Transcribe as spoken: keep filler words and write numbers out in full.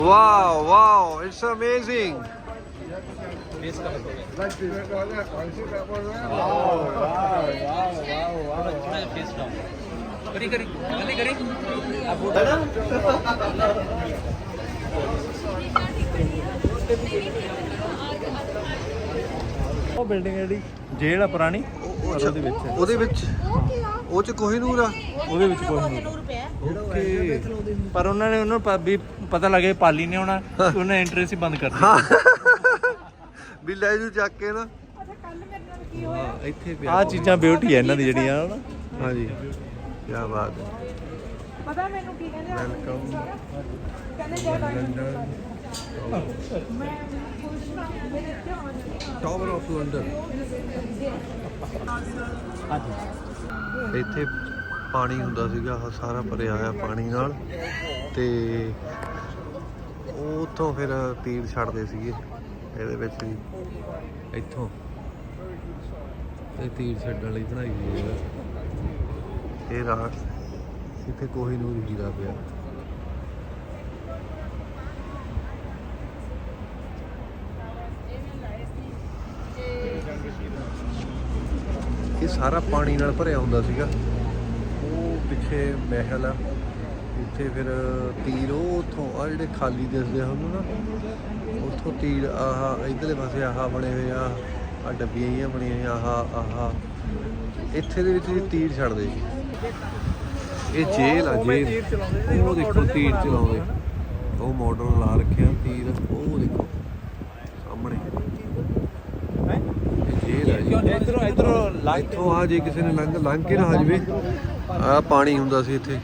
Wow, wow, it's amazing. ਉਹ building ਜਿਹੜੀ ਜੇਲ੍ਹ ਆ ਪੁਰਾਣੀ ਉਹਦੇ ਵਿੱਚ ਉਹਦੇ ਵਿੱਚ ਉਹ ਚ ਕੋਹੀਨੂਰ ਆ ਉਹਦੇ ਵਿੱਚ ਕੋਈ ਨਹੀਂ ਓਕੇ ਪਰ ਉਹਨਾਂ ਨੇ ਉਹਨੂੰ ਪ- ਵੀ ਪਤਾ ਲੱਗੇ ਪਾਲੀ ਨੇ ਆਉਣਾ ਤੇ ਉਹਨੇ ਐਂਟਰੈਂਸ ਹੀ ਬੰਦ ਕਰ ਦਿੱਤੀ ਵੀ ਲੈ ਜੂ ਚੱਕ ਕੇ ਨਾ ਹਾਂ ਇੱਥੇ ਪਿਆ ਆ ਚੀਜ਼ਾਂ ਬਿਊਟੀ ਹੈ ਇਹਨਾਂ ਦੀ ਜਿਹੜੀਆਂ ਹਨਾ ਹਾਂਜੀ ਕੀ ਬਾਤ ਹੈ ਪਤਾ ਮੈਨੂੰ ਕੀ ਕਹਿੰਦੇ ਆ ਵੈਲਕਮ ਕਹਿੰਦੇ ਜੈ ਲੰਡਨ ਮੈਂ ਖੁਸ਼ ਹਾਂ ਮੇਰੇ ਧਿਆਨ ਟਾਵਰ ਆਫ ਲੰਡਨ ਇੱਥੇ ਪਾਣੀ ਹੁੰਦਾ ਸੀਗਾ ਆਹ ਸਾਰਾ ਭਰਿਆ ਹੋਇਆ ਪਾਣੀ ਨਾਲ ਤੇ ਉਹ ਉੱਥੋਂ ਫਿਰ ਤੀਰ ਛੱਡਦੇ ਸੀਗੇ ਇਹਦੇ ਵਿੱਚ ਵੀ ਇੱਥੋਂ ਇਹ ਤੀਰ ਛੱਡਣ ਲਈ ਬਣਾਈ ਹੋਈ ਹੈ ਇਹ ਰਾਤ ਇੱਥੇ ਕੋਹੀਨੂਰ ਹੀਰਾ ਪਿਆ ਇਹ ਸਾਰਾ ਪਾਣੀ ਨਾਲ ਭਰਿਆ ਹੁੰਦਾ ਸੀਗਾ ਉਹ ਪਿੱਛੇ ਮਹਿਲ ਆ ਉੱਥੇ ਫਿਰ ਤੀਰ ਉਹ ਉੱਥੋਂ ਆ ਜਿਹੜੇ ਖਾਲੀ ਦਿਸਦੇ ਹਨ ਨਾ ਉੱਥੋਂ ਤੀਰ ਆਹ ਇਧਰਲੇ ਪਾਸੇ ਆਹ ਬਣੇ ਹੋਏ ਆ ਆ ਡੱਬੀਆਂ ਜਿਹੀਆਂ ਬਣੀਆਂ ਹੋਈਆਂ ਆਹ ਆਹ ਇੱਥੇ ਦੇ ਵਿੱਚ ਵੀ ਤੀਰ ਛੱਡਦੇ ਸੀ ਇਹ ਜੇਲ੍ਹ ਆ ਜੇਲ੍ਹ ਉਹ ਦੇਖੋ ਤੀਰ ਚਲਾਉਂਦੇ ਉਹ ਮਾਡਲ ਲਾ ਰੱਖਿਆ ਤੀਰ ਉਹ ਦੇਖੋ ਸਾਹਮਣੇ ਜੇਲ੍ਹ ਆ ਜੀ ਇਧਰੋਂ ਇਧਰੋਂ ਇੱਥੋਂ ਆ ਜੇ ਕਿਸੇ ਨੇ ਲੰਘ ਲੰਘ ਕੇ ਨਾ ਆ ਜਾਵੇ ਆ ਪਾਣੀ ਹੁੰਦਾ ਸੀ ਇੱਥੇ